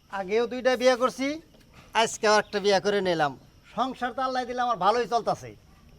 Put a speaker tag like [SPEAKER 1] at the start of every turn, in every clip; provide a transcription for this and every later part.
[SPEAKER 1] আগেও দুইটা বিয়ে করছি, আজকেও একটা বিয়ে করে নিলাম। সংসার তো আল্লাহ দিলে আমার ভালোই চলতেছে।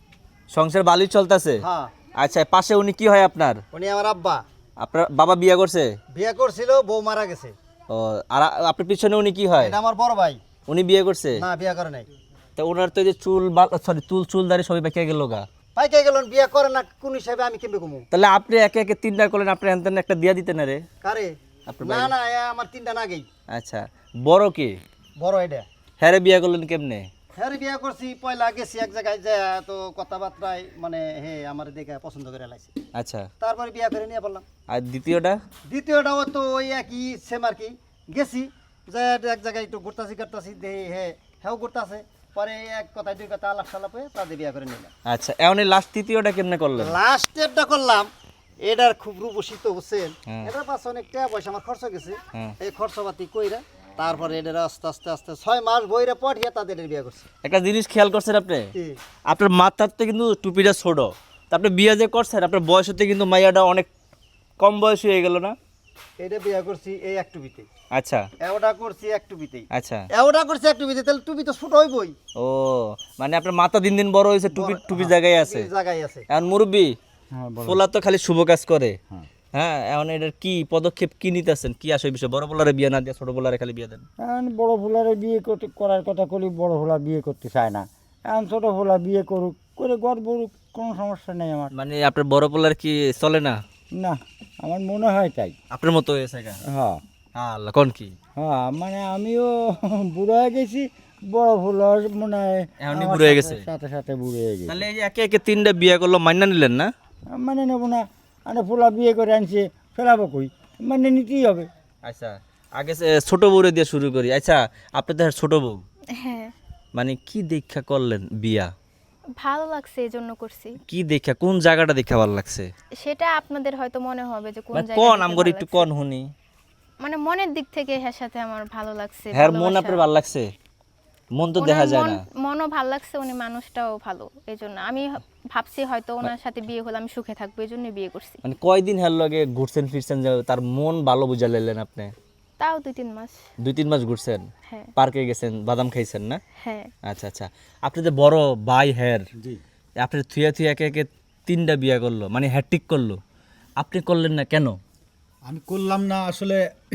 [SPEAKER 2] সংসার ভালোই চলতেছে?
[SPEAKER 1] হ্যাঁ।
[SPEAKER 2] আচ্ছা, পাশে উনি কি হয় আপনার?
[SPEAKER 1] উনি আমার আব্বা।
[SPEAKER 2] আপনার বাবা বিয়ে করছে?
[SPEAKER 1] বিয়ে করছিল, বউ মারা গেছে।
[SPEAKER 2] ও, আর আপনার পিছনে উনি কি হয়?
[SPEAKER 1] এটা আমার বড় ভাই।
[SPEAKER 2] উনি বিয়ে করছে?
[SPEAKER 1] না, বিয়ে করে নাই।
[SPEAKER 2] তো ওনার তো এই যে চুল, সরি, চুল দাড়ি সবই বেঁকে গেল গা।
[SPEAKER 1] পাইকে গেলেন, বিয়ে করে না কোন হিসাবে আমি কেমবে কমু?
[SPEAKER 2] তাহলে আপনি একে একে তিনটা করলেন, আপনি এনতেন একটা দিয়া দিতেন না রে?
[SPEAKER 1] কারে?
[SPEAKER 2] আপনার
[SPEAKER 1] না
[SPEAKER 2] ভাই?
[SPEAKER 1] না, আমার তিনটা না গেই।
[SPEAKER 2] আচ্ছা, বড় কি?
[SPEAKER 1] বড় এটা।
[SPEAKER 2] হ্যাঁ রে, বিয়ে করলেন কেমনে?
[SPEAKER 1] হ্যাঁ, বিয়ে করছি, পয়লা গেছি এক জায়গায় যে তো কথাবার্তায় মানে হে আমার দেখে পছন্দ করে লাইছে।
[SPEAKER 2] আচ্ছা,
[SPEAKER 1] তারপরে বিয়ে করে নিয়ে বললাম।
[SPEAKER 2] আর দ্বিতীয়টা?
[SPEAKER 1] দ্বিতীয়টাও তো ওই একই সেম আর কি। গেছি যে এক জায়গায় একটু ঘুরতাছি দেখি হ্যাঁ ঘুরতাছে। পরে এক কথা দুই কথা আলাপ সালাপ হয়ে তাদের বিয়ে করে নিলাম।
[SPEAKER 2] আচ্ছা, এমন লাস্ট তৃতীয়টা কেমনে করলেন?
[SPEAKER 1] লাস্টেরটা করলাম, এটার খুব রূপসী তো বুঝছেন।
[SPEAKER 2] হ্যাঁ।
[SPEAKER 1] এটার পাশে অনেক টাকা পয়সা আমার খরচ গেছে।
[SPEAKER 2] হ্যাঁ।
[SPEAKER 1] এই খরচপাতি কইরা তারপরে এদের আস্তে আস্তে আস্তে 6 মাস বইরা পঠিয়ে তাদের বিয়ে করছে।
[SPEAKER 2] একটা জিনিস খেয়াল করছেন আপনি?
[SPEAKER 1] কি?
[SPEAKER 2] আপনার মাথার তো কিন্তু টুপিটা ছোট, তা আপনি বিয়ে যে করছেন আপনার বয়স হতে কিন্তু মাইয়াটা অনেক কম বয়স হয়ে গেল না?
[SPEAKER 1] এটা বিয়ে করছি এই এক টুপিতে।
[SPEAKER 2] আচ্ছা
[SPEAKER 1] এওটা করছি এক টুপিতেই।
[SPEAKER 2] আচ্ছা।
[SPEAKER 1] এওটা করছি এক টুপিতে, তাহলে টুপি তো ছোট হইবই।
[SPEAKER 2] ও, মানে আপনার মাথা দিন দিন বড় হয়েছে, টুপি টুপি জায়গায় আছে।
[SPEAKER 1] জায়গায় আছে।
[SPEAKER 2] এখন মুরব্বী,
[SPEAKER 1] হ্যাঁ,
[SPEAKER 2] পোলা তো খালি শুভ কাজ করে। হ্যাঁ, এখন এটার কি পদক্ষেপ কি নিতেছেন, কি আসে বিষয়? বড় পোলারে বিয়ে না দিয়ে ছোট পোলারে খালি বিয়ে দেন?
[SPEAKER 3] এখন বড় ফুলারে বিয়ে করার কথা করি, বড় ফুলা বিয়ে করতে চায় না। এখন ছোটো ফুলা বিয়ে করুক, করে গড় বড়ুক, কোনো সমস্যা নেই আমার।
[SPEAKER 2] মানে আপনার বড় পোলার কি চলে না?
[SPEAKER 3] না, আমার মনে হয় তাই।
[SPEAKER 2] আপনার মতো হয়েছে গা?
[SPEAKER 3] হ্যাঁ
[SPEAKER 2] আল্লাহ, কোন কি?
[SPEAKER 3] হ্যাঁ, মানে আমিও বুড়ো হয়ে গেছি, বড় ফুলার মনে হয়
[SPEAKER 2] এখনই
[SPEAKER 3] আমার
[SPEAKER 2] বুড়ো হয়ে গেছে?
[SPEAKER 3] সাথে সাথে বুড়ো হয়ে গেছে।
[SPEAKER 2] তাহলে এই যে একে একে তিনটা বিয়ে করলো, মাইনা নিলেন না?
[SPEAKER 3] মানে নেবো না, আরে ফুলা বিয়ে করে আনছে, ফেলাবো কই, মানে নিতেই হবে।
[SPEAKER 2] আচ্ছা, আগে ছোট বউরে দিয়ে শুরু করি। আচ্ছা, আপনি তো ছোট বউ,
[SPEAKER 4] হ্যাঁ,
[SPEAKER 2] মানে কি দীক্ষা করলেন বিয়া?
[SPEAKER 4] ভালো লাগছে এই জন্য করছি।
[SPEAKER 2] কি দীক্ষা, কোন জায়গাটা দেখা ভালো লাগছে?
[SPEAKER 4] সেটা আপনাদের হয়তো মনে হবে যে কোন
[SPEAKER 2] মানে
[SPEAKER 4] জায়গা
[SPEAKER 2] কোন
[SPEAKER 4] থেকে
[SPEAKER 2] আমগর
[SPEAKER 4] ভালো
[SPEAKER 2] একটু
[SPEAKER 4] লাগছে।
[SPEAKER 2] কোন শুনি।
[SPEAKER 4] মানে মনের দিক থেকে হ্যাঁ সাথে আমার ভালো লাগছে।
[SPEAKER 2] হ্যাঁ, মন
[SPEAKER 4] ভালোবাসা।
[SPEAKER 2] আপনার ভালো লাগছে? মন তো
[SPEAKER 4] ওনার
[SPEAKER 2] দেখা যায় না।
[SPEAKER 4] মনও ভালো লাগছে, উনি মানুষটাও ভালো। এই জন্য আমি ভাবছি হয়তো ওনার সাথে বিয়ে হলে আমি সুখে থাকবো, এই জন্য বিয়ে করছি।
[SPEAKER 2] মানে কয়দিন হের লগে ঘুরছেন ফিরছেন যে তার মন ভালো বুঝা লাইলেন আপনি?
[SPEAKER 4] তাও 2-3 মাস।
[SPEAKER 2] 2-3 মাস ঘুরছেন,
[SPEAKER 4] হ্যাঁ
[SPEAKER 2] পার্কে গেছেন, বাদাম খাইছেন না?
[SPEAKER 4] হ্যাঁ।
[SPEAKER 2] আচ্ছা আচ্ছা। আপনি যে বড় ভাই হের,
[SPEAKER 3] জি,
[SPEAKER 2] আপনি থুয়া থুয়া একে একে তিনটা বিয়া করলো, মানে হ্যাট্রিক করলো, আপনি করলেন না কেন?
[SPEAKER 5] আমি করলাম না আসলে।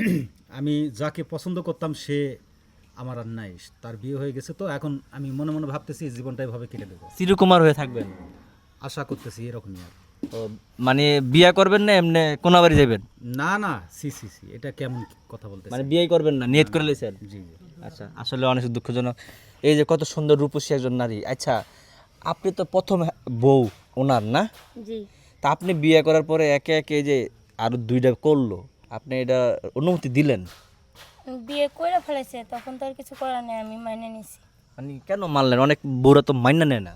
[SPEAKER 5] আমি যাকে পছন্দ করতাম সে আমার আর নাই, তার বিয়ে হয়ে গেছে। তো এখন আমি মনে মনে ভাবতেছি এই জীবনটা এভাবে কেটে দেবো,
[SPEAKER 2] চিরকুমার হয়ে থাকবেন?
[SPEAKER 5] আশা করতেছি এরকমই আর।
[SPEAKER 2] ও, মানে বিয়া করবেন না এমনি কোনা বাড়ি যাবেন?
[SPEAKER 5] না না, সি সি সি, এটা কেমন কথা বলতেছি?
[SPEAKER 2] মানে বিয়ে করবেন না, নিয়ত করে লেছেন?
[SPEAKER 5] জি জি।
[SPEAKER 2] আচ্ছা, আসলে অনেক দুঃখজনক। এই যে কত সুন্দর রূপসী একজন নারী। আচ্ছা, আপনি তো প্রথম বউ ওনার না?
[SPEAKER 6] জি,
[SPEAKER 2] তা আপনি বিয়ে করার পরে একে একে এই যে আরো দুইটা করলো, আপনি এটা অনুমতি দিলেন?
[SPEAKER 6] বিয়ে করে ফেলেছে, তখন তো আর কিছু করার নেই, আমি মাইনে নিছি।
[SPEAKER 2] মানে কেন মানলেন? অনেক বউরা তো মাইনা নেয় না।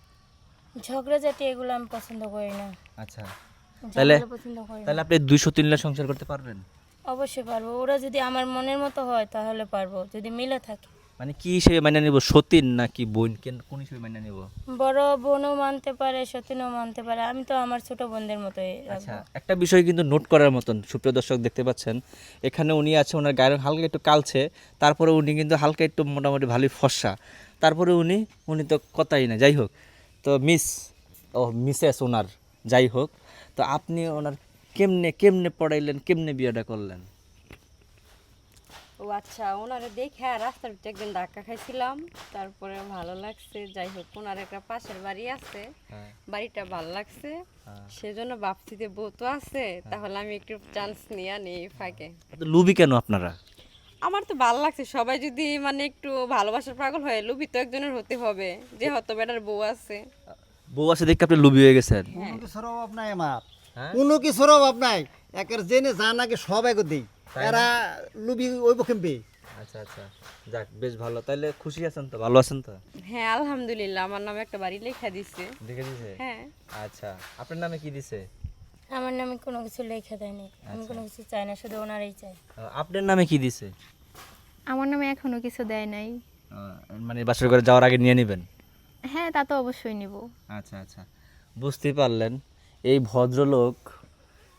[SPEAKER 6] ঝগড়াঝাটি এগুলো আমি পছন্দ করি না।
[SPEAKER 2] আচ্ছা, তাহলে
[SPEAKER 6] ঝগড়া পছন্দ করি না।
[SPEAKER 2] তাহলে আপনি 200-3 লাখ সংসার করতে পারবেন?
[SPEAKER 6] অবশ্যই পারবো, ওরা যদি আমার মনের মতো হয় তাহলে পারবো, যদি মিলে থাকে।
[SPEAKER 2] মানে কি হিসেবে মাইনা নিব, সতীন নাকি বোন, কোন হিসেবে মাইনা নিব?
[SPEAKER 6] বড় বোনও মানতে পারে, সতীনও মানতে পারে, আমি তো আমার ছোট বোনদের মতোই
[SPEAKER 2] আচ্ছা,
[SPEAKER 6] রাখবো।
[SPEAKER 2] একটা বিষয় কিন্তু নোট করার মতন, সুপ্রিয় দর্শক দেখতে পাচ্ছেন এখানে উনি আছে, ওনার গায়ের রং হালকা একটু কালছে, তারপরে উনি কিন্তু হালকা একটু মোটামুটি ভালোই ফর্সা, তারপরে উনি তো কথাই না। যাই হোক, তো মিসেস ওনার, যাই হোক, তো আপনি ওনার কেমনে কেমনে পড়াইলেন, কেমনে বিয়েটা করলেন?
[SPEAKER 7] ও আচ্ছা, ওনারে দেখে রাস্তার ভিতরে একদিন ধাক্কা খাইছিলাম, তারপরে ভালো লাগছে। যাই হোক, ওনার একটা পাশের বাড়ি আছে, বাড়িটা ভালো লাগছে, সেজন্য ভাবছি যে বউ তো আছে, তাহলে আমি একটু চান্স নিয়ে নিই ফাঁকে।
[SPEAKER 2] তো লুবি কেন আপনারা?
[SPEAKER 7] আমার তো ভালো লাগছে, সবাই যদি মানে একটু ভালোবাসার পাগল হয়, লুবি তো একজনের হতে হবে, যে হয়তো বেটার বউ আছে।
[SPEAKER 2] বউ আছে দেখে আপনি লুবি হয়ে গেছেন?
[SPEAKER 1] কোনো কিছুর অভাব নাই আমার।
[SPEAKER 2] হ্যাঁ?
[SPEAKER 1] কোনো কিছুর অভাব নাই। একের জেনে জান আগে সব এগো দেই। এরা লুবি ওইব কেমবে?
[SPEAKER 2] আচ্ছা আচ্ছা, যাক বেশ ভালো। তাইলে খুশি আছেন তো, ভালো আছেন তো?
[SPEAKER 7] হ্যাঁ আলহামদুলিল্লাহ, আমার নামে একটা বাড়ি লেখা দিছে।
[SPEAKER 2] দেখে দিছে?
[SPEAKER 7] হ্যাঁ।
[SPEAKER 2] আচ্ছা, আপনার নামে কি দিছে?
[SPEAKER 6] আমার নামে কোনো কিছু লেখা দেয়নি, আমি কোনো কিছু চাই না, শুধু ওনারই চাই।
[SPEAKER 2] আপনার নামে কি দিছে?
[SPEAKER 4] আমার নামে এখনো কিছু দেয় নাই।
[SPEAKER 2] মানে বাসর করে যাওয়ার আগে নিয়ে নেবেন?
[SPEAKER 4] হ্যাঁ, তা তো অবশ্যই নিব।
[SPEAKER 2] আচ্ছা আচ্ছা, বুঝতেই পারলেন এই ভদ্রলোক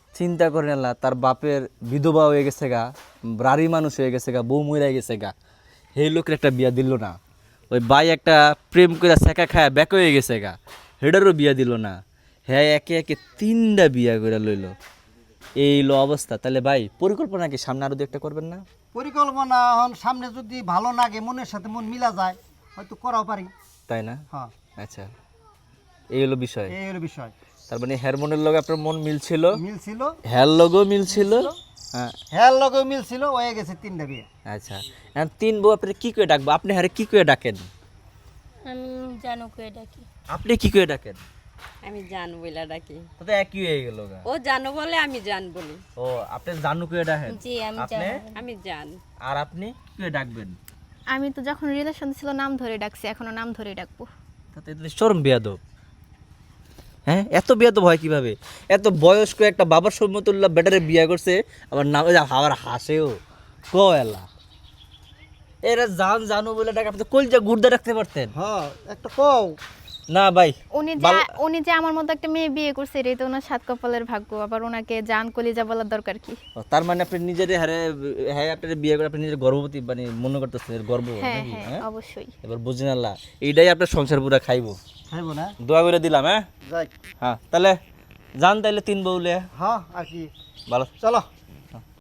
[SPEAKER 2] চিন্তা করেন আল্লাহ, তার বাপের বিধবা হয়ে গেছে গা, বাড়ি মানুষ হয়ে গেছে গা, বউ মরে গেছে গা, সেই লোকের একটা বিয়া দিল না। ওই ভাই একটা প্রেম করে শেখা খায় ব্যাক হয়ে গেছে গা, হেডারও বিয়া দিল না। হ্যাঁ একে একে 3টা বিয়া করে লইল, এই লো অবস্থা। তাহলে ভাই পরিকল্পনা কি সামনে আরো 2-1টা করবেন না?
[SPEAKER 1] পরিকল্পনা এখন সামনে যদি ভালো লাগে, মনের সাথে মন মিলা যায়, হয়তো করাও পারি।
[SPEAKER 2] তাই না?
[SPEAKER 1] হ্যাঁ,
[SPEAKER 2] আচ্ছা, এই হলো বিষয়।
[SPEAKER 1] এই হলো বিষয়।
[SPEAKER 2] তার মানে হরমোনের লগে আপনার মন মিলছিল,
[SPEAKER 1] মিলছিল,
[SPEAKER 2] হ্যার লগেও মিলছিল। হ্যাঁ
[SPEAKER 1] হ্যাঁ লগেও মিলছিল, হয়ে গেছে 3টা বিয়ে।
[SPEAKER 2] আচ্ছা, এখন 3 বউ আপনি কি করে ডাকবো? আপনি হারে কি করে ডাকেন?
[SPEAKER 6] আমি জানো কে ডাকি।
[SPEAKER 2] আপনি কি করে ডাকেন?
[SPEAKER 7] আমি জান বইলা ডাকি।
[SPEAKER 2] তো তো একই হয়ে গেল গা।
[SPEAKER 7] ও জানো বলে আমি জান বলি।
[SPEAKER 2] ও আপনি জানু করে ডাকেন?
[SPEAKER 6] জি আমি
[SPEAKER 2] আপনি?
[SPEAKER 6] জানো।
[SPEAKER 7] আমি জান।
[SPEAKER 2] আর আপনি কি করে ডাকবেন?
[SPEAKER 4] আমি তো যখন রিলেশন ছিল নাম ধরে ডাকছি, এখনো নাম ধরে ডাকবো।
[SPEAKER 2] তাতে এগুলো চরম বেয়াদব। হ্যাঁ এত বেয়াদব হয় কিভাবে? এত বয়স্ক একটা বাবার সমতুল্য বেটারে বিয়ে করছে, আবার নাম আবার হাসেও কয়লা। এরা জানু বলে ডাকে, আপনি তো কলজা গুর্দা রাখতে পারতেন।
[SPEAKER 1] হ্যাঁ, একটা কও।
[SPEAKER 2] না ভাই,
[SPEAKER 4] উনি যে আমার মতো একটা মেয়ে বিয়ে করছে, এটাই তো ওনার সাত কপালের ভাগ্য। আবার ওনাকে জান কলিজা বলার দরকার কি?
[SPEAKER 2] তার মানে আপনি নিজের হারে, হ্যাঁ আপনার বিয়ে করে আপনি নিজের গর্ভবতী মানে মনে করতেছেন, গর্ব
[SPEAKER 4] হ্যাঁ
[SPEAKER 2] নাকি?
[SPEAKER 4] হ্যাঁ
[SPEAKER 2] হ্যাঁ
[SPEAKER 4] অবশ্যই।
[SPEAKER 2] এবার বুঝিন আল্লাহ, এইটাই আপনার সংসার পুরা খাইবো।
[SPEAKER 1] খাইবো না?
[SPEAKER 2] দোয়া করে দিলাম। হ্যাঁ
[SPEAKER 1] যাই।
[SPEAKER 2] হ্যাঁ, তাহলে যান তাইলে 3 বউলে।
[SPEAKER 1] হ্যাঁ, আর কি,
[SPEAKER 2] ভালো।
[SPEAKER 1] চলো।